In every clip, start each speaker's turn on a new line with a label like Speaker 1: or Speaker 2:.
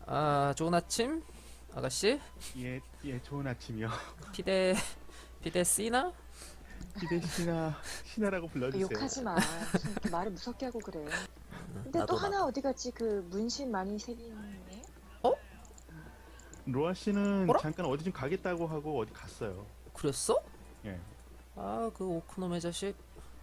Speaker 1: 아, 좋은 아침, 아가씨.
Speaker 2: 예, 예, 좋은 아침이요.
Speaker 1: 피데, 피데 씨나?
Speaker 2: 기대 신하라고 불러주세요.
Speaker 3: 욕하지 마. 무슨 이렇게 말을 무섭게 하고 그래. 근데
Speaker 1: 나도
Speaker 3: 또 하나
Speaker 1: 나도.
Speaker 3: 어디 갔지? 그 문신 많이 새긴 애?
Speaker 1: 어?
Speaker 2: 로아 씨는
Speaker 1: 뭐라?
Speaker 2: 잠깐 어디 좀 가겠다고 하고 어디 갔어요.
Speaker 1: 그랬어?
Speaker 2: 예.
Speaker 1: 아, 그 오크놈의 자식.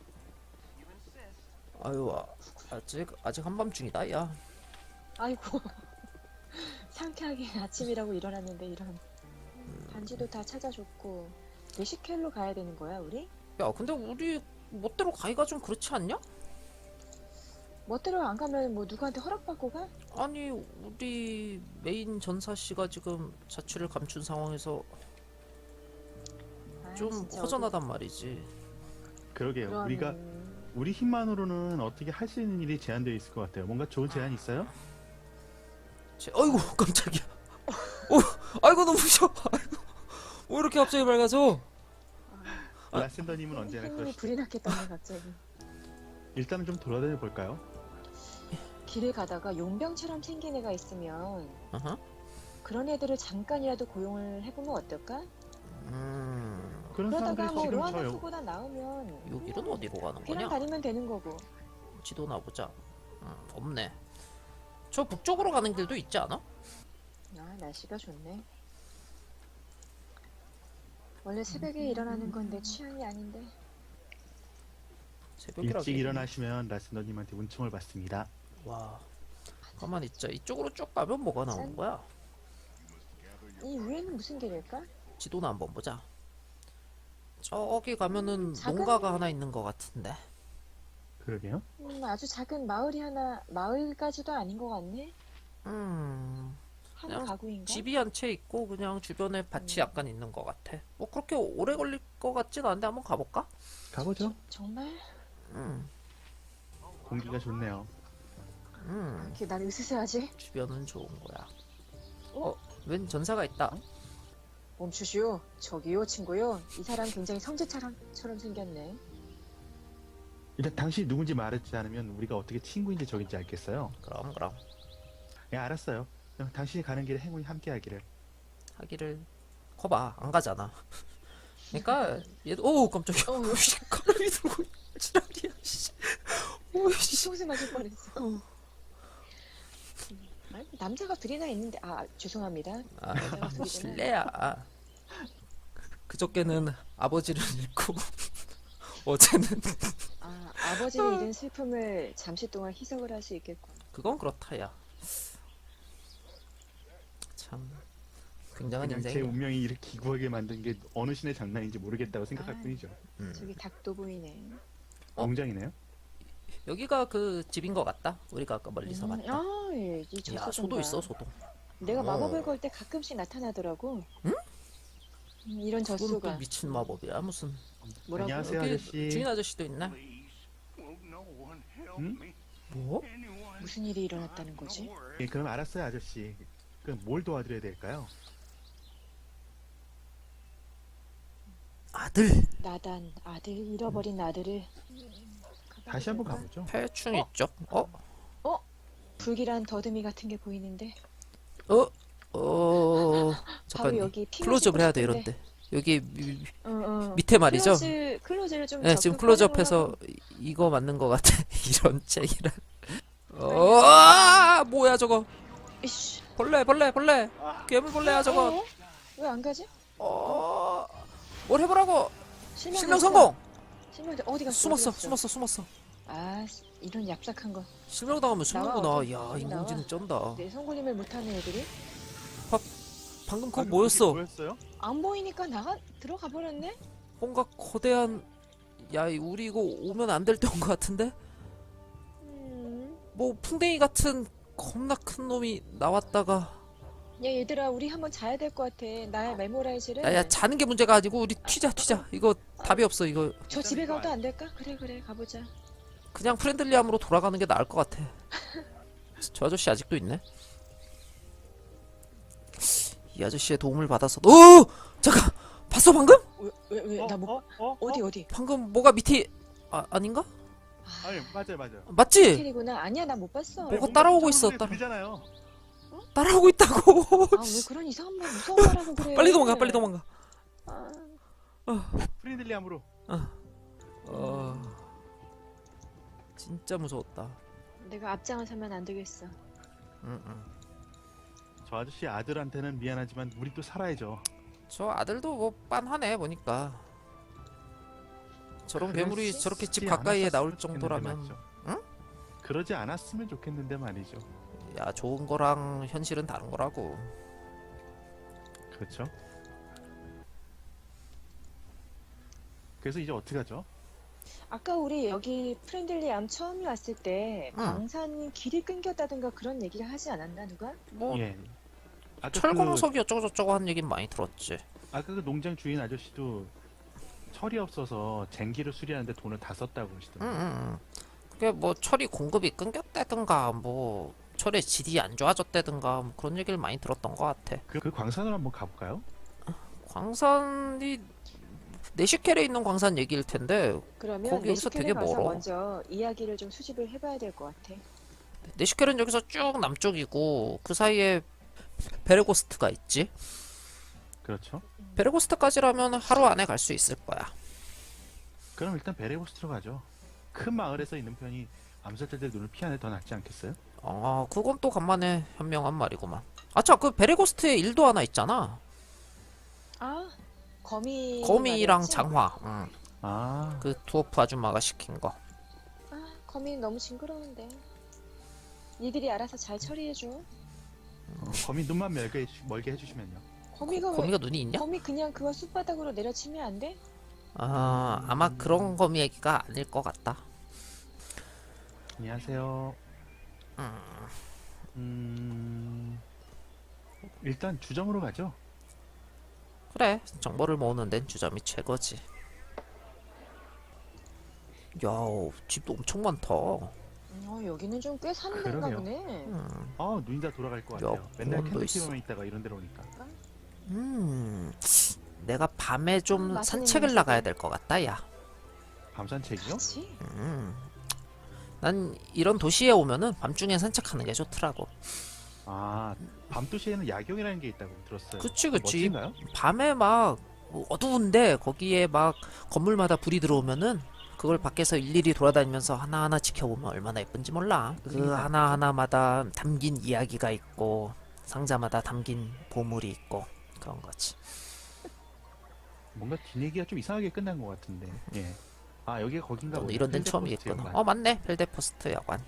Speaker 1: 아유, 아직 한밤중이다, 야.
Speaker 3: 아이고. 상쾌하게 아침이라고 일어났는데 이런. 반지도 다 찾아줬고. 레시켈로 가야 되는 거야, 우리?
Speaker 1: 야, 근데 우리 멋대로 가기가 좀 그렇지 않냐?
Speaker 3: 멋대로 안 가면 뭐 누구한테 허락받고 가?
Speaker 1: 아니, 우리 메인 전사 씨가 지금 자취를 감춘 상황에서
Speaker 3: 아,
Speaker 1: 좀
Speaker 3: 진짜
Speaker 1: 허전하단 말이지.
Speaker 2: 그러게요.
Speaker 3: 그런-
Speaker 2: 우리가 우리 힘만으로는 어떻게 할 수 있는 일이 제한되어 있을 것 같아요. 뭔가 좋은 제안 있어요?
Speaker 1: 아이고, 깜짝이야. 아이고, 너무 무서워. 아이고, 왜 이렇게 갑자기 밝아져?
Speaker 2: 라센더님은 언제나
Speaker 3: 힘이
Speaker 2: 그러시죠.
Speaker 3: 불이 났겠다네 갑자기.
Speaker 2: 일단은 좀 돌아다녀 볼까요?
Speaker 3: 길을 가다가 용병처럼 생긴 애가 있으면
Speaker 1: 어허.
Speaker 3: 그런 애들을 잠깐이라도 고용을 해보면 어떨까?
Speaker 2: 그런
Speaker 3: 그러다가
Speaker 2: 사람들이
Speaker 3: 뭐
Speaker 2: 지금
Speaker 3: 로아나
Speaker 2: 저요.
Speaker 3: 크고다 나오면
Speaker 1: 여기는 어디로 가는
Speaker 3: 그냥
Speaker 1: 거냐?
Speaker 3: 다니면 되는 거고.
Speaker 1: 지도나 보자. 없네. 저 북쪽으로 가는 길도 있지 않아?
Speaker 3: 아, 날씨가 좋네. 원래 새벽에 일어나는 건 내 취향이 아닌데.
Speaker 1: 새벽이라.
Speaker 2: 일찍 일어나시면 라센더님한테 은총을 받습니다.
Speaker 1: 와. 가만 있자. 이쪽으로 쭉 가면 뭐가 나오는 거야?
Speaker 3: 이 위에는 무슨 길일까?
Speaker 1: 지도나 한번 보자. 저기 가면은
Speaker 3: 작은-
Speaker 1: 농가가 하나 있는 것 같은데.
Speaker 2: 그러게요.
Speaker 3: 아주 작은 마을이 하나, 마을까지도 아닌 것 같네.
Speaker 1: 한
Speaker 3: 한
Speaker 1: 그냥
Speaker 3: 가구인가?
Speaker 1: 집이 한 채 있고 그냥 주변에 밭이 약간 있는 것 같아. 뭐 그렇게 오래 걸릴 것 같진 않은데 한번 가볼까?
Speaker 2: 가보죠.
Speaker 3: 정말?
Speaker 1: 음,
Speaker 2: 공기가 좋네요.
Speaker 3: 이렇게 난 으스스하지?
Speaker 1: 주변은 좋은 거야.
Speaker 3: 어?
Speaker 1: 웬 전사가 있다.
Speaker 3: 멈추시오. 저기요, 친구요. 이 사람 굉장히 성재처럼 생겼네.
Speaker 2: 일단 당신이 누군지 말하지 않으면 우리가 어떻게 친구인지 적인지 알겠어요.
Speaker 1: 그럼
Speaker 2: 예, 알았어요. 그냥 당신이 가는 길에 행운이 함께하기를.
Speaker 1: 하기를. 거봐, 안 가잖아. 그러니까 얘도 오 깜짝이야.
Speaker 3: 어,
Speaker 1: 씨, 가람이 들고 지랄이야. 씨. 오씨.
Speaker 3: 뒤통수 맞을 뻔했어. 아니, 남자가 둘이나 있는데, 죄송합니다.
Speaker 1: 아,
Speaker 3: 남자가 둘이구나.
Speaker 1: 실례야. 그저께는 아버지를 잃고 어제는
Speaker 3: 아버지를 잃은 슬픔을 잠시 동안 희석을 할 수 있겠고.
Speaker 1: 그건 그렇다야. 참 굉장한
Speaker 2: 그냥 제
Speaker 1: 인생이야.
Speaker 2: 운명이 이렇게 기구하게 만든 게 어느 신의 장난인지 모르겠다고 생각할
Speaker 3: 아.
Speaker 2: 뿐이죠.
Speaker 3: 저기 닭도 보이네.
Speaker 2: 공장이네요.
Speaker 1: 여기가 그 집인 것 같다. 우리가 아까 멀리서 봤다.
Speaker 3: 예, 이
Speaker 1: 야,
Speaker 3: 저소동가.
Speaker 1: 소도 있어, 소도.
Speaker 3: 내가
Speaker 1: 어.
Speaker 3: 마법을 걸 때 가끔씩 나타나더라고.
Speaker 1: 응?
Speaker 3: 이런
Speaker 1: 그건 또
Speaker 3: 젖소가.
Speaker 1: 미친 마법이야. 무슨
Speaker 3: 뭐라고?
Speaker 2: 안녕하세요,
Speaker 1: 여기
Speaker 2: 아저씨.
Speaker 1: 주인 아저씨도 있나?
Speaker 2: 응?
Speaker 1: 뭐?
Speaker 3: 무슨 일이 일어났다는 거지?
Speaker 2: 예, 그럼 알았어요, 아저씨. 그럼 뭘 도와드려야 될까요?
Speaker 1: 아들.
Speaker 3: 나단, 아들, 잃어버린 아들을.
Speaker 2: 다시 한번 가보죠.
Speaker 1: 폐충 있죠? 어?
Speaker 3: 불길한 더듬이 같은 게 보이는데.
Speaker 1: 바로 잠깐
Speaker 3: 여기 피
Speaker 1: 클로즈업을 해야 돼
Speaker 3: 마시고
Speaker 1: 이런데. 여기 밑에 말이죠?
Speaker 3: 클로즈를 좀
Speaker 1: 네, 지금
Speaker 3: 적극
Speaker 1: 클로즈업해서
Speaker 3: 활용을 하고.
Speaker 1: 이거 맞는 것 같아. 이런 책이라. 뭐야 저거?
Speaker 3: 이씨.
Speaker 1: 벌레. 괴물벌레야 저거.
Speaker 3: 왜 안 가지?
Speaker 1: 뭘 해보라고?
Speaker 3: 실명
Speaker 1: 실명
Speaker 3: 됐어.
Speaker 1: 성공.
Speaker 3: 실명 어디 갔어?
Speaker 1: 숨었어.
Speaker 3: 아, 이런 얍삭한 거.
Speaker 1: 실명 당하면 숨는구나.
Speaker 3: 나와,
Speaker 1: 야,
Speaker 3: 어디
Speaker 1: 인공지능 쩐다.
Speaker 3: 내 송골림을 못하는 애들이
Speaker 1: 방금 그거 뭐였어?
Speaker 2: 뭐였어요?
Speaker 3: 안 보이니까 들어가 버렸네.
Speaker 1: 뭔가 거대한. 야, 우리 이거 오면 안 될 때 온 것 같은데? 뭐 풍뎅이 같은 겁나 큰 놈이 나왔다가.
Speaker 3: 야, 얘들아, 우리 한번 자야 될 것 같아. 나의 메모라이즈를.
Speaker 1: 야, 자는 게 문제가 아니고 우리 튀자. 이거 답이 없어. 이거
Speaker 3: 저 집에 가도 안 될까? 그래, 가보자.
Speaker 1: 그냥 프렌들리함으로 돌아가는 게 나을 것 같아. 저 아저씨 아직도 있네. 이 아저씨의 도움을 받아서. 잠깐. 봤어 방금?
Speaker 3: 왜, 나 뭐, 어디?
Speaker 1: 방금 뭐가 밑에 아닌가?
Speaker 2: 아니, 맞아요.
Speaker 1: 맞지?
Speaker 3: 캐리구나. 아니야, 나 못 봤어.
Speaker 1: 뭐가 따라오고 있어, 따라.
Speaker 2: 들리잖아요.
Speaker 1: 따라오고 있다고.
Speaker 3: 아, 왜 그런 이상한 말, 무서운 말 하고 그래.
Speaker 1: 빨리 도망가, 빨리 도망가.
Speaker 3: 아,
Speaker 2: 프렌들리함으로.
Speaker 1: 진짜 무서웠다.
Speaker 3: 내가 앞장을 서면 안 되겠어.
Speaker 1: 응, 응.
Speaker 2: 저 아저씨 아들한테는 미안하지만 우리 또 살아야죠.
Speaker 1: 저 아들도 뭐 빤하네 보니까. 저런
Speaker 2: 그러지
Speaker 1: 괴물이 저렇게 집 가까이에
Speaker 2: 않았었으면
Speaker 1: 나올
Speaker 2: 좋겠는데
Speaker 1: 정도라면,
Speaker 2: 말이죠.
Speaker 1: 응?
Speaker 2: 그러지 않았으면 좋겠는데 말이죠.
Speaker 1: 야, 좋은 거랑 현실은 다른 거라고.
Speaker 2: 그렇죠. 그래서 이제 어떻게 하죠?
Speaker 3: 아까 우리 여기 프렌들리 암 처음에 왔을 때
Speaker 1: 응.
Speaker 3: 광산 길이 끊겼다든가 그런 얘기를 하지 않았나 누가?
Speaker 1: 뭐
Speaker 2: 예. 아까
Speaker 1: 철광석이 어쩌고 저쩌고 하는 얘긴 많이 들었지.
Speaker 2: 아까 그 농장 주인 아저씨도 철이 없어서 쟁기를 수리하는데 돈을 다 썼다고
Speaker 1: 응,
Speaker 2: 그러시더라고요.
Speaker 1: 응, 응. 그게 뭐 철이 공급이 끊겼다든가 뭐 철의 질이 안 좋아졌다든가 뭐 그런 얘기를 많이 들었던 것 같아.
Speaker 2: 그 광산을 한번 가볼까요?
Speaker 1: 광산이 네시켈에 있는 광산 얘기일 텐데
Speaker 3: 그러면
Speaker 1: 거기 여기서
Speaker 3: 네시켈에
Speaker 1: 되게
Speaker 3: 가서
Speaker 1: 멀어.
Speaker 3: 먼저 이야기를 좀 수집을 해봐야 될 것 같아.
Speaker 1: 네시켈은 여기서 쭉 남쪽이고 그 사이에 베레고스트가 있지.
Speaker 2: 그렇죠.
Speaker 1: 베레고스트까지라면 하루 안에 갈 수 있을 거야.
Speaker 2: 그럼 일단 베레고스트로 가죠. 큰 마을에서 있는 편이 암살자들 눈을 피하는 게 더 낫지 않겠어요?
Speaker 1: 그건 또 간만에 현명한 말이구만. 아차, 그 베레고스트에 일도 하나 있잖아.
Speaker 3: 아, 거미
Speaker 1: 거미랑
Speaker 3: 말이었지?
Speaker 1: 장화. 응.
Speaker 2: 아,
Speaker 1: 그 두어프 아줌마가 시킨 거.
Speaker 3: 아, 거미 너무 징그러운데. 니들이 알아서 잘 처리해줘.
Speaker 2: 거미 눈만 멀게 해주시면요.
Speaker 3: 거미가 왜?
Speaker 1: 거미가 눈이 있냐?
Speaker 3: 거미 그냥 그거 숲바닥으로 내려치면 안 돼?
Speaker 1: 아마 그런 거미 얘기가 아닐 것 같다.
Speaker 2: 안녕하세요. 일단 주점으로 가죠.
Speaker 1: 그래, 정보를 모으는 데는 주점이 최고지. 야, 집도 엄청 많다.
Speaker 3: 여기는 좀 꽤 사는 데인가
Speaker 2: 그러게요.
Speaker 3: 보네.
Speaker 2: 눈이 다 돌아갈 것
Speaker 1: 야,
Speaker 2: 같아요. 맨날
Speaker 1: 공원도 있어.
Speaker 2: 캔터키만 있다가 이런 데로 오니까.
Speaker 1: 내가 밤에 좀
Speaker 3: 맛있는
Speaker 1: 산책을
Speaker 3: 냄새들.
Speaker 1: 나가야 될 것 같다, 야.
Speaker 2: 밤산책이요?
Speaker 3: 그렇지?
Speaker 1: 난 이런 도시에 오면은 밤중에 산책하는 게 좋더라고.
Speaker 2: 아, 밤도시에는 야경이라는 게 있다고 들었어요.
Speaker 1: 그치.
Speaker 2: 멋진가요?
Speaker 1: 밤에 막 어두운데 거기에 막 건물마다 불이 들어오면은 그걸 밖에서 일일이 돌아다니면서 하나하나 지켜보면 얼마나 예쁜지 몰라. 그 하나하나마다 담긴 이야기가 있고 상자마다 담긴 보물이 있고 그런 거지.
Speaker 2: 뭔가 뒷얘기가 좀 이상하게 끝난 것 같은데. 예. 아, 여기가 거긴가
Speaker 1: 너는
Speaker 2: 보네.
Speaker 1: 이런 데는
Speaker 2: 필드포스트
Speaker 1: 처음이겠구나.
Speaker 2: 연관.
Speaker 1: 맞네. 벨데포스트 야관.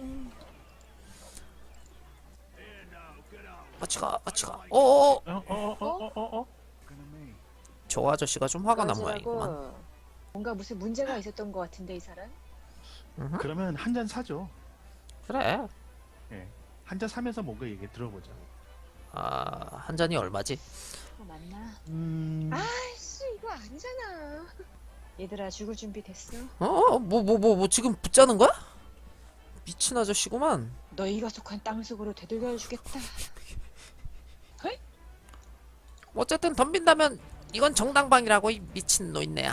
Speaker 1: 같이 가. 어어어.
Speaker 2: 어?
Speaker 1: 저 아저씨가 좀 화가 난
Speaker 3: 그러지라고
Speaker 1: 모양이구만.
Speaker 3: 뭔가 무슨 문제가 있었던 것 같은데 이 사람?
Speaker 2: 그러면 한 잔 사죠.
Speaker 1: 그래.
Speaker 2: 예. 한 잔 사면서 뭔가 얘기 들어보자.
Speaker 1: 한 잔이 얼마지?
Speaker 3: 맞나? 아이씨 이거 아니잖아. 얘들아 죽을 준비 됐어?
Speaker 1: 뭐 지금 붙자는 거야? 미친 아저씨구만.
Speaker 3: 너희가 속한 땅 속으로 되돌려 주겠다.
Speaker 1: 어쨌든 덤빈다면 이건 정당방이라고 이 미친 노인네야.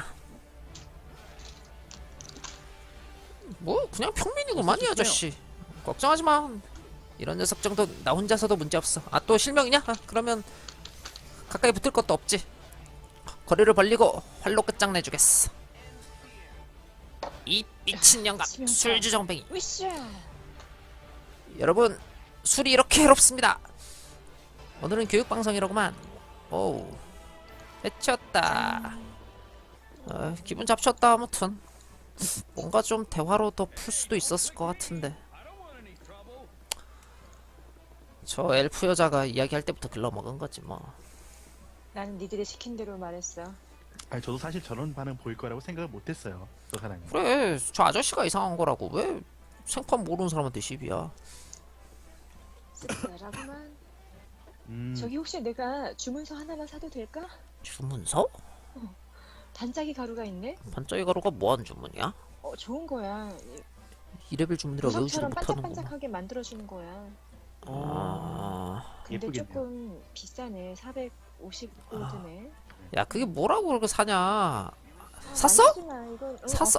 Speaker 1: 뭐 그냥 평민이구만 이 아저씨. 걱정하지 마. 이런 녀석 정도 나 혼자서도 문제 없어. 또 실명이냐? 그러면 가까이 붙을 것도 없지. 거리를 벌리고 활로 끝장내주겠어. 이 미친 영감
Speaker 3: 치명타.
Speaker 1: 술주정뱅이.
Speaker 3: 으쌰.
Speaker 1: 여러분 술이 이렇게 해롭습니다. 오늘은 교육방송이라구만. 오우 해쳤다. 기분 잡쳤다. 아무튼 뭔가 좀 대화로 더 풀 수도 있었을 것 같은데. 저 엘프 여자가 이야기할 때부터 글러먹은 거지 뭐.
Speaker 3: 나는 니들이 시킨 대로 말했어.
Speaker 2: 아니, 저도 사실 저런 반응 보일 거라고 생각을 못했어요. 저 사람이.
Speaker 1: 그래 저 아저씨가 이상한 거라고. 왜 생판 모르는 사람한테 시비야.
Speaker 3: 씁쓸하구만.
Speaker 2: 음,
Speaker 3: 저기 혹시 내가 주문서 하나만 사도 될까?
Speaker 1: 주문서?
Speaker 3: 반짝이 가루가 있네?
Speaker 1: 반짝이 가루가 뭐하는 주문이야?
Speaker 3: 좋은 거야.
Speaker 1: 2레벨 주문이라 외우지도
Speaker 3: 보석처럼
Speaker 1: 못하는구만.
Speaker 3: 반짝반짝하게 만들어주는 거야. 근데
Speaker 2: 예쁘겠네요.
Speaker 3: 조금 비싸네. 450골드네.
Speaker 1: 야 그게 뭐라고 그렇게 사냐. 샀어? 샀어?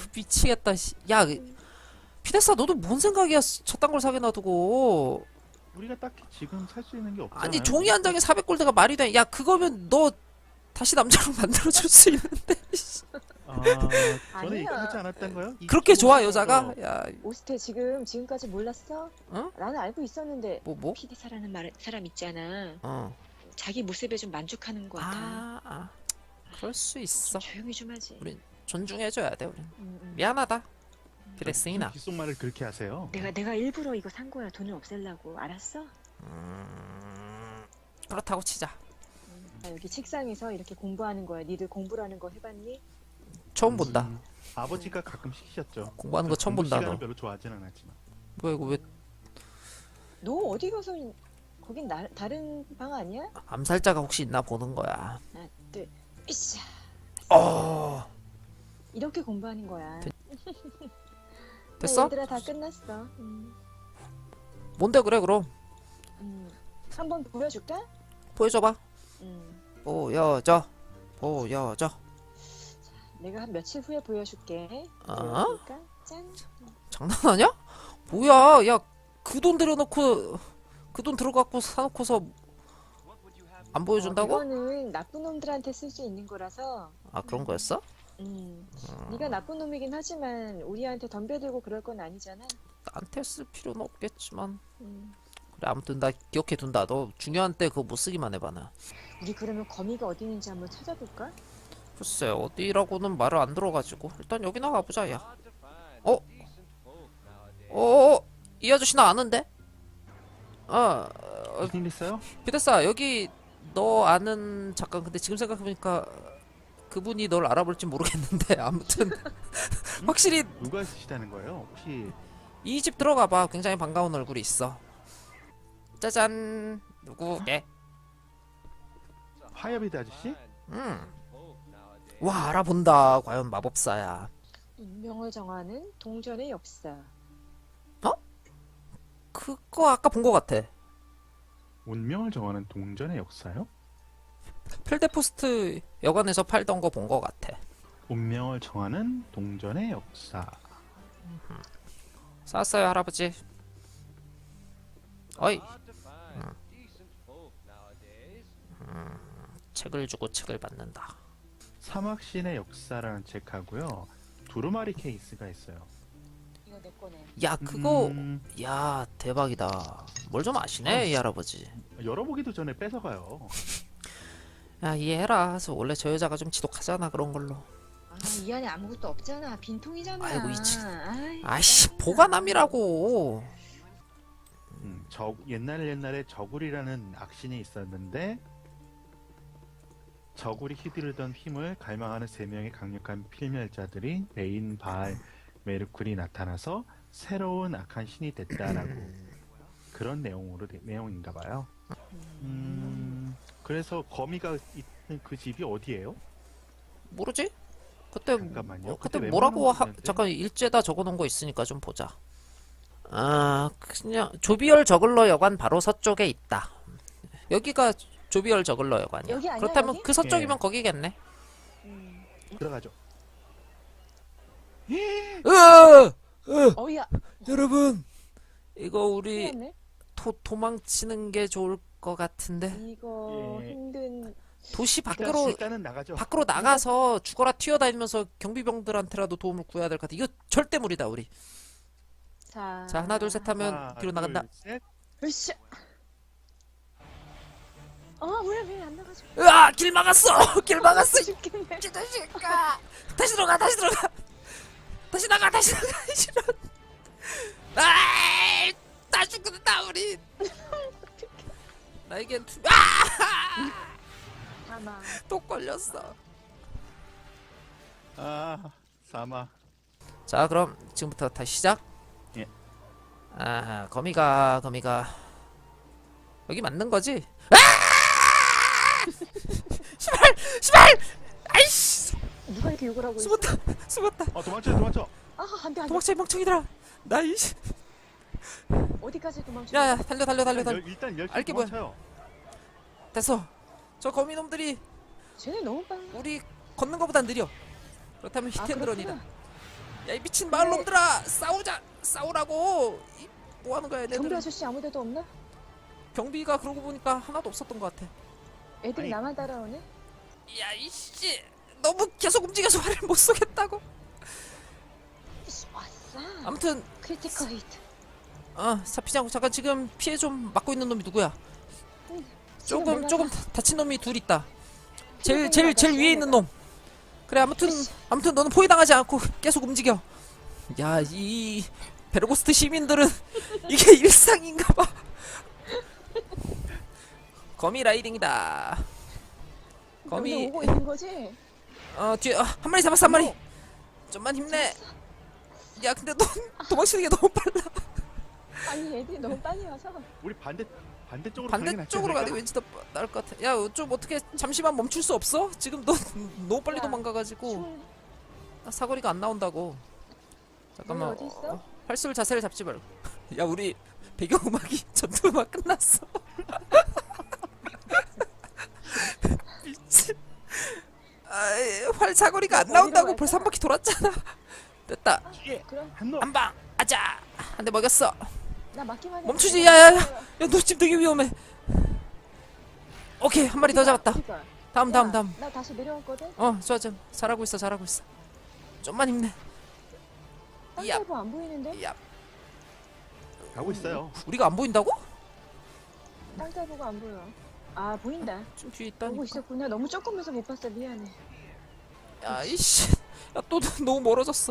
Speaker 1: 미치겠다. 야 피데스타 너도 뭔 생각이야. 저딴 걸 사게 놔두고.
Speaker 2: 우리가 딱히 지금 살 수 있는 게 없잖아요.
Speaker 1: 아니 종이 한 장에 400골드가 말이 돼. 야 그거면 너 다시 남자로 만들어줄 수 있는데.
Speaker 2: 아, 전에
Speaker 3: 아니야.
Speaker 2: 얘기하지 않았던가요?
Speaker 1: 그렇게 좋아
Speaker 2: 25%
Speaker 1: 여자가? 야
Speaker 3: 오스테 지금까지 몰랐어?
Speaker 1: 어?
Speaker 3: 나는 알고 있었는데
Speaker 1: 뭐?
Speaker 3: 피디사라는 사람 있잖아.
Speaker 1: 어.
Speaker 3: 자기 모습에 좀 만족하는 것 같아.
Speaker 1: 그럴 수 있어.
Speaker 3: 좀 조용히 좀 하지.
Speaker 1: 우린 존중해줘야 돼 우린.
Speaker 3: 음.
Speaker 1: 미안하다. 그랬으나.
Speaker 2: 귓속말을 그렇게 하세요.
Speaker 3: 내가 일부러 이거 산 거야. 돈을 없애려고. 알았어?
Speaker 1: 그렇다고 치자.
Speaker 3: 여기 책상에서 이렇게 공부하는 거야. 니들 공부라는 거 해봤니?
Speaker 1: 처음 본다.
Speaker 2: 아버지가 가끔 시키셨죠.
Speaker 1: 공부하는 거 처음
Speaker 2: 공부
Speaker 1: 본다
Speaker 2: 시간을
Speaker 1: 너.
Speaker 2: 별로 좋아하진 않았지만.
Speaker 1: 뭐야 이거 왜
Speaker 3: 너 어디 가서 거긴 다른 방 아니야?
Speaker 1: 암살자가 혹시 있나 보는 거야.
Speaker 3: 하나, 둘, 으쌰.
Speaker 1: 어.
Speaker 3: 이렇게 공부하는 거야.
Speaker 1: 됐어?
Speaker 3: 얘들아 다 끝났어.
Speaker 1: 뭔데 그래 그럼
Speaker 3: 한번 보여줄까?
Speaker 1: 보여줘봐.
Speaker 3: 음.
Speaker 1: 보여줘.
Speaker 3: 내가 한 며칠 후에 보여줄게.
Speaker 1: 어?
Speaker 3: 보여줄까? 짠.
Speaker 1: 장난하냐? 뭐야? 야 그 돈 들여놓고 그 돈 들어갖고 사놓고서 안 보여준다고?
Speaker 3: 이거는 나쁜 놈들한테 쓸 수 있는 거라서.
Speaker 1: 아 그런 거였어?
Speaker 3: 네가 나쁜 놈이긴 하지만 우리한테 덤벼들고 그럴 건 아니잖아.
Speaker 1: 나한테 쓸 필요는 없겠지만
Speaker 3: 음.
Speaker 1: 그래 아무튼 나 기억해둔다. 너 중요한 때 그거 못 쓰기만 해봐 나.
Speaker 3: 우리 그러면 거미가 어디 있는지 한번 찾아볼까?
Speaker 1: 글쎄 어디라고는 말을 안 들어가지고 일단 여기나 가보자 야. 이 아저씨 나 아는데?
Speaker 2: 무슨 일 있어요?
Speaker 1: 비데사 여기 너 아는 잠깐 근데 지금 생각해보니까 그분이 널 알아볼지 모르겠는데 아무튼 확실히
Speaker 2: 누가 쓰시다는 거예요? 혹시
Speaker 1: 이 집 들어가봐. 굉장히 반가운 얼굴이 있어. 짜잔. 누구게?
Speaker 2: 화여비드 아저씨?
Speaker 1: 와 알아본다. 과연 마법사야.
Speaker 3: 운명을 정하는 동전의 역사.
Speaker 1: 그거 아까 본 거 같아.
Speaker 2: 운명을 정하는 동전의 역사요?
Speaker 1: 필데포스트 여관에서 팔던 거 본 거 같아.
Speaker 2: 운명을 정하는 동전의 역사.
Speaker 1: 쌌어요 할아버지. 어이. 책을 주고 책을 받는다.
Speaker 2: 사막신의 역사라는 책하고요. 두루마리 케이스가 있어요.
Speaker 3: 이거 내 거네.
Speaker 1: 야 그거
Speaker 2: 음,
Speaker 1: 야 대박이다. 뭘 좀 아시네 이 할아버지.
Speaker 2: 열어보기도 전에 뺏어가요.
Speaker 1: 야 이해해라. 그래서 원래 저 여자가 좀 지독하잖아 그런 걸로.
Speaker 3: 이 안에 아무것도 없잖아. 빈통이잖아.
Speaker 1: 아이고, 이 친-
Speaker 3: 아이,
Speaker 1: 아이씨 보관함이라고.
Speaker 2: 옛날에 저굴이라는 악신이 있었는데 저굴이 휘두르던 힘을 갈망하는 세 명의 강력한 필멸자들이 베인, 바알, 메르쿨이 나타나서 새로운 악한 신이 됐다라고 그런 내용인가 봐요. 그래서 거미가 있는 그 집이 어디예요?
Speaker 1: 모르지? 그때
Speaker 2: 잠깐만요.
Speaker 1: 그때
Speaker 2: 그때
Speaker 1: 뭐라고
Speaker 2: 웬만한 거 있는데?
Speaker 1: 잠깐 일제다 적어놓은 거 있으니까 좀 보자. 그냥 조비얼 저글러 여관 바로 서쪽에 있다. 여기가 조비얼 저글러 여관이야.
Speaker 3: 여기 아니야,
Speaker 1: 그렇다면
Speaker 3: 여기?
Speaker 1: 그 서쪽이면
Speaker 2: 예.
Speaker 1: 거기겠네.
Speaker 2: 들어가죠.
Speaker 3: 어이야.
Speaker 1: 여러분 이거 우리
Speaker 3: 큰일 났네.
Speaker 1: 도망치는 게 좋을 것 같은데
Speaker 3: 이거
Speaker 2: 예.
Speaker 3: 힘든.
Speaker 1: 도시 밖으로
Speaker 2: 일단은 나가죠.
Speaker 1: 나가서 죽어라 튀어다니면서 경비병들한테라도 도움을 구해야 될 것 같아. 이거 절대 무리다 우리.
Speaker 3: 자
Speaker 1: 하나 둘 셋 하면
Speaker 2: 하나,
Speaker 1: 뒤로 나간다.
Speaker 2: 둘, 셋.
Speaker 3: 으쌰. 왜 안 나가죠?
Speaker 1: 길 막았어. 길 막았어.
Speaker 3: 죽겠네.
Speaker 1: 기다릴까? 다시 들어가. 다시 나가. 싫어. 다 죽는다 우리. 나에겐
Speaker 3: 사망.
Speaker 1: 또 걸렸어.
Speaker 2: 사막.
Speaker 1: 자 그럼 지금부터 다시 시작.
Speaker 2: 예.
Speaker 1: 거미가 여기 맞는 거지? 시발! 아이씨!
Speaker 3: 누가 이렇게 욕을 하고 있어?
Speaker 1: 숨었다.
Speaker 2: 도망쳐.
Speaker 3: 안돼.
Speaker 1: 도망쳐 이 멍청이들아. 나 이씨.
Speaker 3: 어디까지 도망쳐?
Speaker 1: 야야 달려.
Speaker 2: 일단 열심히
Speaker 1: 알게 뭐야.
Speaker 2: 도망쳐요.
Speaker 1: 됐어. 저 거미놈들이
Speaker 3: 쟤네 너무 빨라.
Speaker 1: 우리 걷는 거보단 느려. 그렇다면
Speaker 3: 아,
Speaker 1: 히텐드런이다.
Speaker 3: 그렇구나.
Speaker 1: 야 이 미친 마을 놈들아 싸우라고. 뭐 하는 거야
Speaker 3: 경비
Speaker 1: 얘네들.
Speaker 3: 아저씨 아무데도 없나?
Speaker 1: 경비가 그러고 보니까 하나도 없었던 것 같아.
Speaker 3: 애들이
Speaker 2: 아니.
Speaker 3: 나만 따라오네?
Speaker 1: 야 이씨 너무 계속 움직여서 화를 못 쏘겠다고.
Speaker 3: 왔어.
Speaker 1: 아무튼
Speaker 3: 크리티컬 히트.
Speaker 1: 사피장 잠깐 지금 피해 좀 막고 있는 놈이 누구야?
Speaker 3: 지금
Speaker 1: 조금
Speaker 3: 내가
Speaker 1: 조금 다친 놈이 둘 있다.
Speaker 3: 피해
Speaker 1: 제일
Speaker 3: 보는
Speaker 1: 위에 있는 놈. 그래 아무튼
Speaker 3: 으쌰.
Speaker 1: 너는 포위당하지 않고 계속 움직여. 야 이 베르고스트 시민들은 이게 일상인가봐. 거미 라이딩이다.
Speaker 3: 거미
Speaker 1: 거미
Speaker 3: 오고 있는 거지?
Speaker 1: 뒤에 한 마리 잡았어 한 마리. 좀만 힘내. 야 근데 넌 도망치는 게 너무 빨라.
Speaker 3: 아니 애들이 너무 빨리 와서.
Speaker 2: 우리 반대쪽으로 가는 게 낫지
Speaker 1: 반대쪽으로 가는 게
Speaker 2: 않을까?
Speaker 1: 왠지 더 나을 것 같아. 야 좀 어떻게 잠시만 멈출 수 없어? 지금 너 너무 빨리
Speaker 3: 야,
Speaker 1: 도망가가지고
Speaker 3: 춤을
Speaker 1: 사거리가 안 나온다고. 잠깐만.
Speaker 3: 어디 있어?
Speaker 1: 활술 자세를 잡지 말고. 야 우리 배경음악이 전투음악 끝났어. 미친. 활 사거리가 안
Speaker 3: 어디로
Speaker 1: 나온다고
Speaker 3: 갈까?
Speaker 1: 벌써 한 바퀴 돌았잖아. 됐다.
Speaker 2: 뒤에
Speaker 3: 그럼
Speaker 2: 한 놈.
Speaker 1: 한방 아자. 한 대 먹였어.
Speaker 3: 나 맞기만 해.
Speaker 1: 멈추지. 야야야. 야 너 지금 되게 위험해. 오케이 한 마리 더 잡았다. 다음.
Speaker 3: 나 다시 내려왔거든.
Speaker 1: 좋아 잘하고 있어. 좀만 힘내. 야.
Speaker 3: 땅살보 안 보이는데?
Speaker 1: 야
Speaker 2: 가고 있어요.
Speaker 1: 우리가 안 보인다고?
Speaker 3: 땅살보가 안 보여. 아 보인다.
Speaker 1: 좀 뒤에
Speaker 3: 보고
Speaker 1: 있다니까.
Speaker 3: 있었구나. 너무 조금해서 못 봤어. 미안해.
Speaker 1: 야 이씨. 야 또 너무 멀어졌어.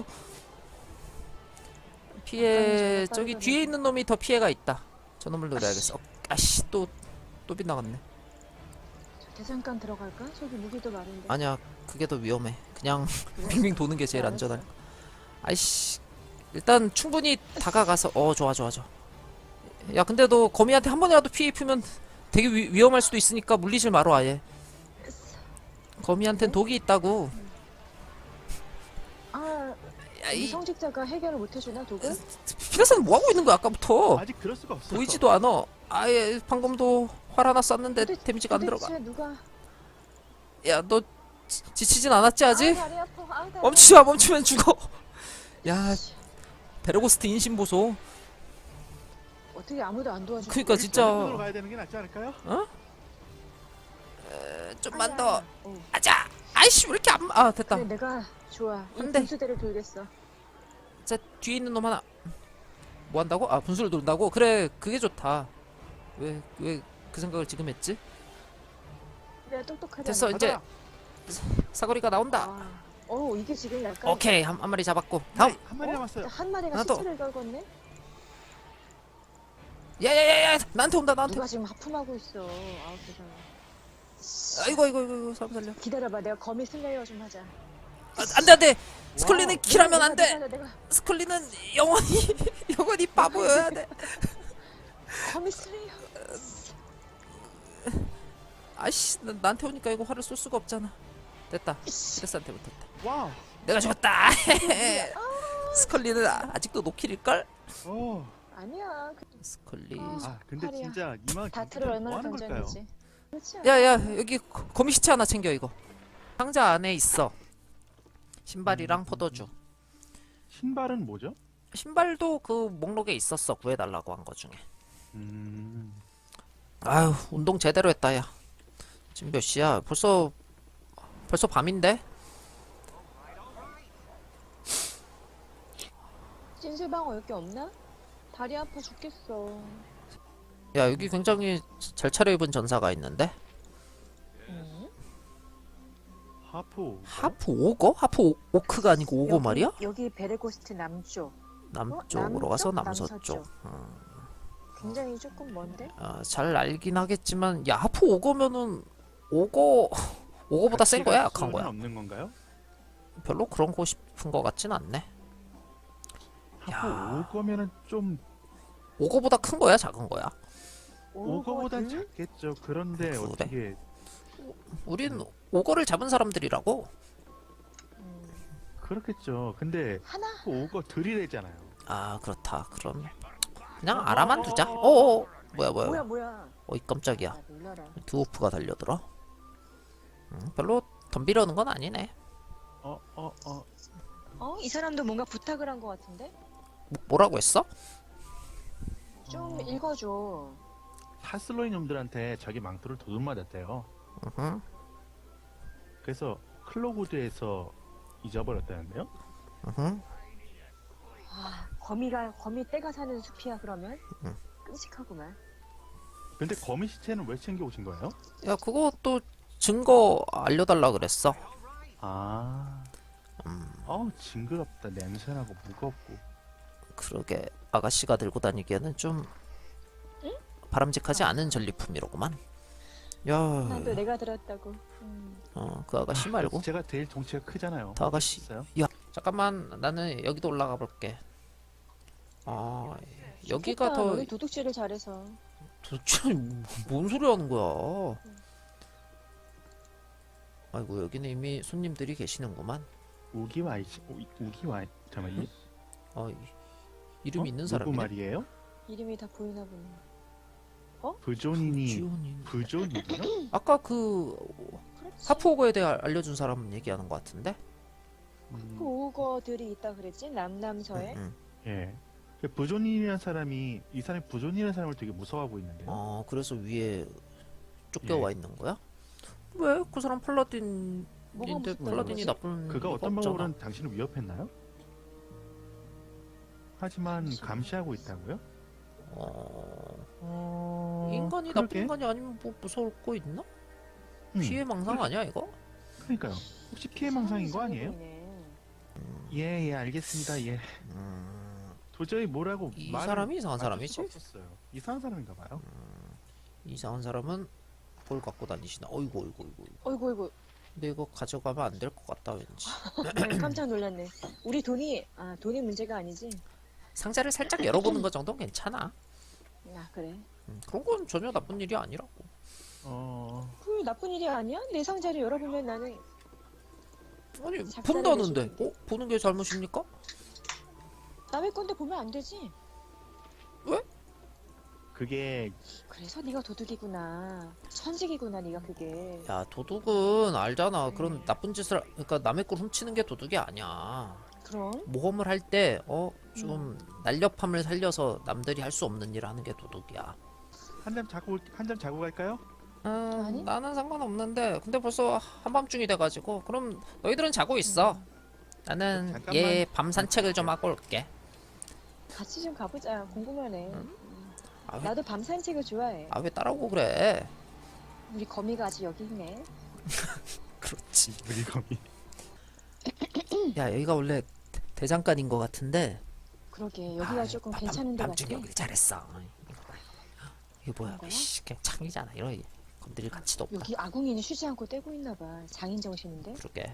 Speaker 1: 피해
Speaker 3: 아까
Speaker 1: 저기
Speaker 3: 빠르거든.
Speaker 1: 뒤에 있는 놈이 더 피해가 있다. 저 놈을 노려야겠어. 아씨 또 빗나갔네.
Speaker 3: 저 대장간 들어갈까? 저기 무기도 많은데.
Speaker 1: 아니야 그게 더 위험해. 그냥 빙빙 도는 게 제일
Speaker 3: 알았어.
Speaker 1: 안전할. 아이씨 일단 충분히 다가가서 좋아. 야 근데 너 거미한테 한 번이라도 피해 입으면 되게 위험할 수도 있으니까 물리질 마라 아예. 거미한텐 독이 있다고.
Speaker 3: 아,
Speaker 1: 야,
Speaker 3: 이
Speaker 1: 이
Speaker 3: 성직자가 해결을 못 해주나 독을?
Speaker 1: 피라사는 뭐 하고 있는 거야 아까부터?
Speaker 2: 아직 그럴 수가 없어.
Speaker 1: 보이지도 않아. 아예 방금도 활 하나 쐈는데 데미지가 안 들어가.
Speaker 3: 도대체 누가?
Speaker 1: 야 너 지치진 않았지 아직?
Speaker 3: 다리 아파. 다리
Speaker 1: 멈추지 마. 멈추면 죽어. 야 베르고스트 인신 보소.
Speaker 3: 어떻게 아무도 안 도와줘?
Speaker 1: 그니까
Speaker 2: 우리 저쪽으로
Speaker 1: 진짜
Speaker 2: 가야 되는 게 낫지 않을까요?
Speaker 1: 좀만 더.
Speaker 3: 어.
Speaker 1: 아자. 아이씨 왜 이렇게 됐다.
Speaker 3: 그래 내가 좋아. 이
Speaker 1: 안 돼.
Speaker 3: 분수대를 돌겠어.
Speaker 1: 자 뒤에 있는 놈 하나. 뭐 한다고? 분수를 돈다고? 그래 그게 좋다. 왜 그 생각을 지금 했지?
Speaker 3: 내가 똑똑하다.
Speaker 1: 됐어 이제
Speaker 2: 가자.
Speaker 1: 사거리가 나온다.
Speaker 3: 이게 지금 약간
Speaker 1: 오케이 한 마리 잡았고 다음.
Speaker 2: 한 마리 남았어요.
Speaker 3: 한 마리가
Speaker 1: 하나 더.
Speaker 3: 시체를 걸었네.
Speaker 1: 야야야야 나한테 온다 나한테.
Speaker 3: 누가 지금 하품하고 있어. 아우 세상에.
Speaker 1: 아이고 사람 살려.
Speaker 3: 기다려봐. 내가 거미 슬레이어 좀 하자.
Speaker 1: 안돼 스컬리는
Speaker 2: 와우.
Speaker 1: 킬하면 안돼.
Speaker 3: 내가
Speaker 1: 스컬리는 영원히 바보여야 돼.
Speaker 3: 거미 슬레이어.
Speaker 1: 아이씨 나한테 오니까 이거 활을 쏠 수가 없잖아. 됐다. 피레스한테 붙었다.
Speaker 2: 와우.
Speaker 1: 내가 죽었다. 스컬리는 아직도 노킬일걸?
Speaker 3: 아니야.
Speaker 1: 스컬리.
Speaker 2: 근데
Speaker 3: 팔이야.
Speaker 2: 진짜 이만
Speaker 3: 다트를
Speaker 2: 뭐
Speaker 3: 얼마나
Speaker 2: 하는 걸까요?
Speaker 3: 던졌는지. 그렇지 않아?
Speaker 1: 야야 여기 거미 시체 하나 챙겨 이거. 상자 안에 있어. 신발이랑 포도주.
Speaker 2: 신발은 뭐죠?
Speaker 1: 신발도 그 목록에 있었어. 구해달라고 한 거 중에. 아유 운동 제대로 했다 야. 지금 몇 시야? 벌써 밤인데?
Speaker 3: 찐실방어 여기 없나? 다리 아파 죽겠어.
Speaker 1: 야 여기 굉장히 잘 차려입은 전사가 있는데? 하프 오거? 하프 오크가 아니고 오거 말이야?
Speaker 3: 여기 베레고스트 남쪽.
Speaker 1: 남쪽으로 가서
Speaker 3: 남서쪽?
Speaker 1: 남서쪽.
Speaker 3: 굉장히 조금 먼데?
Speaker 1: 잘 알긴 하겠지만 야 하프 오거면은 오거보다 센 거야 약한 거야?
Speaker 2: 없는 건가요?
Speaker 1: 별로 그런 거 싶은 거 같진 않네.
Speaker 2: 하프 오거면은 좀
Speaker 1: 오거보다 큰 거야 작은 거야?
Speaker 2: 오거보단 작겠죠. 그런데
Speaker 1: 그래?
Speaker 2: 어떻게
Speaker 1: 우린 오거를 잡은 사람들이라고.
Speaker 2: 그렇겠죠. 근데
Speaker 3: 하나?
Speaker 2: 오거 들이대잖아요.
Speaker 1: 그렇다. 그럼 그냥 알아만 두자. 뭐야
Speaker 3: 뭐야?
Speaker 1: 어이 깜짝이야.
Speaker 3: 아, 놀라라.
Speaker 1: 드워프가 달려들어. 별로 덤비려는 건 아니네.
Speaker 3: 이 사람도 뭔가 부탁을 한 것 같은데?
Speaker 1: 뭐라고 했어?
Speaker 3: 좀 읽어줘.
Speaker 2: 하슬로이 놈들한테 자기 망토를 도둑 맞았대요.
Speaker 1: 으흠.
Speaker 2: 그래서 클로구드에서 잊어버렸다는데요.
Speaker 1: 으흠.
Speaker 3: 아, 거미 떼가 사는 숲이야 그러면? 끔찍하구만.
Speaker 2: 근데 거미 시체는 왜 챙겨오신 거예요?
Speaker 1: 야, 그것도 증거 알려달라 그랬어.
Speaker 2: 아, 어우 징그럽다. 냄새나고 무겁고.
Speaker 1: 그러게 아가씨가 들고 다니기에는 좀 바람직하지 않은 전리품이로구만. 야,
Speaker 3: 나도 내가 들었다고.
Speaker 1: 그 아가씨 말고
Speaker 2: 제가 제일 덩치가 크잖아요.
Speaker 1: 그 아가씨.
Speaker 2: 있어요?
Speaker 1: 야, 잠깐만 나는 여기도 올라가 볼게. 아, 여기가
Speaker 3: 좋겠다.
Speaker 1: 더
Speaker 3: 너는 도둑질을 잘해서.
Speaker 1: 도대체 뭔 소리 하는 거야? 아이고 여기는 이미 손님들이 계시는구만.
Speaker 2: 우기와이 우기와이 잠깐만 이
Speaker 1: 이름 있는
Speaker 2: 누구
Speaker 1: 사람이네.
Speaker 2: 말이에요?
Speaker 3: 이름이 다 보이나 보네.
Speaker 2: 부조닌이
Speaker 1: 지온이.
Speaker 2: 부조닌이요?
Speaker 1: 아까 그
Speaker 3: 그렇지.
Speaker 1: 하프오거에 대해 알려준 사람 얘기하는 것 같은데.
Speaker 3: 오거들이 있다 그랬지? 남남서에.
Speaker 1: 응.
Speaker 2: 예. 부조닌이라는 사람이 이 사람이 부조닌이라는 사람을 되게 무서워하고 있는데요.
Speaker 1: 그래서 위에 쫓겨와 있는 거야? 왜? 그 사람
Speaker 3: 뭐가
Speaker 1: 팔라딘인데
Speaker 3: 무섭다는
Speaker 1: 팔라딘이
Speaker 3: 거지?
Speaker 1: 나쁜
Speaker 2: 그가
Speaker 1: 이유가
Speaker 2: 어떤
Speaker 1: 없잖아.
Speaker 2: 방법으로는 당신을 위협했나요? 하지만
Speaker 3: 잠시만.
Speaker 2: 감시하고 있다고요?
Speaker 1: 인간이
Speaker 2: 그러게.
Speaker 1: 나쁜 인간이 아니면 뭐 무서울 거 있나?
Speaker 2: 음,
Speaker 1: 피해망상 아니야 이거?
Speaker 2: 그러니까요. 혹시 피해망상인 거 아니에요?
Speaker 3: 보이네.
Speaker 2: 예, 알겠습니다. 예. 도저히 뭐라고
Speaker 1: 이
Speaker 2: 말을
Speaker 1: 사람이 이상한
Speaker 2: 맞출 수가
Speaker 1: 사람이지?
Speaker 2: 없었어요. 이상한 사람인가 봐요.
Speaker 1: 이상한 사람은 뭘 갖고 다니시나? 어이구.
Speaker 3: 어이구.
Speaker 1: 근데 이거 가져가면 안 될 것 같다 왠지.
Speaker 3: 깜짝 놀랐네. 우리 돈이 문제가 아니지?
Speaker 1: 상자를 살짝 열어보는 것 정도는 괜찮아.
Speaker 3: 아, 그래.
Speaker 1: 그런 건 전혀 나쁜 일이 아니라고.
Speaker 3: 그 나쁜 일이 아니야? 내 상자를 열어보면 나는
Speaker 1: 아니
Speaker 3: 작살을
Speaker 1: 본다는데.
Speaker 3: 내주는데.
Speaker 1: 보는 게 잘못입니까?
Speaker 3: 남의 건데 보면 안 되지?
Speaker 2: 그게
Speaker 3: 그래서 네가 도둑이구나. 천직이구나, 네가 그게.
Speaker 1: 야 도둑은 알잖아. 그런 나쁜 짓을 그러니까 남의 걸 훔치는 게 도둑이 아니야.
Speaker 3: 그럼?
Speaker 1: 모험을 할 때 좀 날렵함을 살려서 남들이 할 수 없는 일을 하는 게 도둑이야.
Speaker 2: 한 잔 자고 갈까요?
Speaker 3: 아니?
Speaker 1: 나는 상관없는데 근데 벌써 한밤중이 돼가지고 그럼 너희들은 자고 있어. 나는
Speaker 2: 잠깐만.
Speaker 1: 얘 밤 산책을 좀 하고 올게.
Speaker 3: 같이 좀 가보자. 궁금하네.
Speaker 1: 아, 왜,
Speaker 3: 나도 밤 산책을 좋아해.
Speaker 1: 왜 따라오고 그래?
Speaker 3: 우리 거미가 아직 여기 있네.
Speaker 1: 그렇지.
Speaker 2: 우리 거미.
Speaker 1: 야 여기가 원래 대장간인 것 같은데.
Speaker 3: 그러게, 여기가 조금 괜찮은 데
Speaker 1: 밤중에
Speaker 3: 같아.
Speaker 1: 오길 잘했어. 이거 봐. 이게 뭐야?
Speaker 3: 그런 거야?
Speaker 1: 씨, 그냥 창이잖아. 이런 건드릴 가치도 없다.
Speaker 3: 여기 아궁이는 쉬지 않고 떼고 있나 봐. 장인 정신인데?
Speaker 1: 그러게.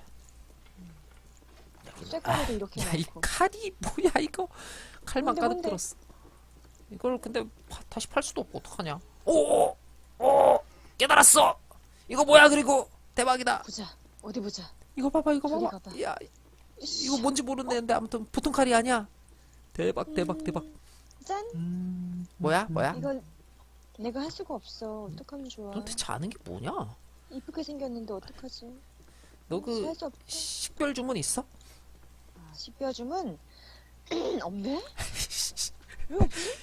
Speaker 1: 여기는-
Speaker 3: 쇳가루도 이렇게
Speaker 1: 야, 이
Speaker 3: 많고.
Speaker 1: 칼이 뭐야 이거? 칼만
Speaker 3: 뭔데,
Speaker 1: 가득
Speaker 3: 뭔데?
Speaker 1: 들었어. 이걸 근데 다시 팔 수도 없고 어떡하냐? 오, 깨달았어. 이거 뭐야? 그리고 대박이다.
Speaker 3: 보자. 어디 보자.
Speaker 1: 이거 봐봐, 이거
Speaker 3: 저기
Speaker 1: 봐봐.
Speaker 3: 가봐.
Speaker 1: 야, 이거 뭔지 모르는데 아무튼 보통 칼이 아니야. 대박.
Speaker 3: 짠!
Speaker 1: 뭐야?
Speaker 3: 이건 내가 할 수가 없어. 어떡하면 좋아.
Speaker 1: 너 대체 아는 게 뭐냐?
Speaker 3: 이쁘게 생겼는데 어떡하지?
Speaker 1: 너 그
Speaker 3: 할 수 없어.
Speaker 1: 식별 주문 있어?
Speaker 3: 아, 식별줌은 없네? 왜 없지?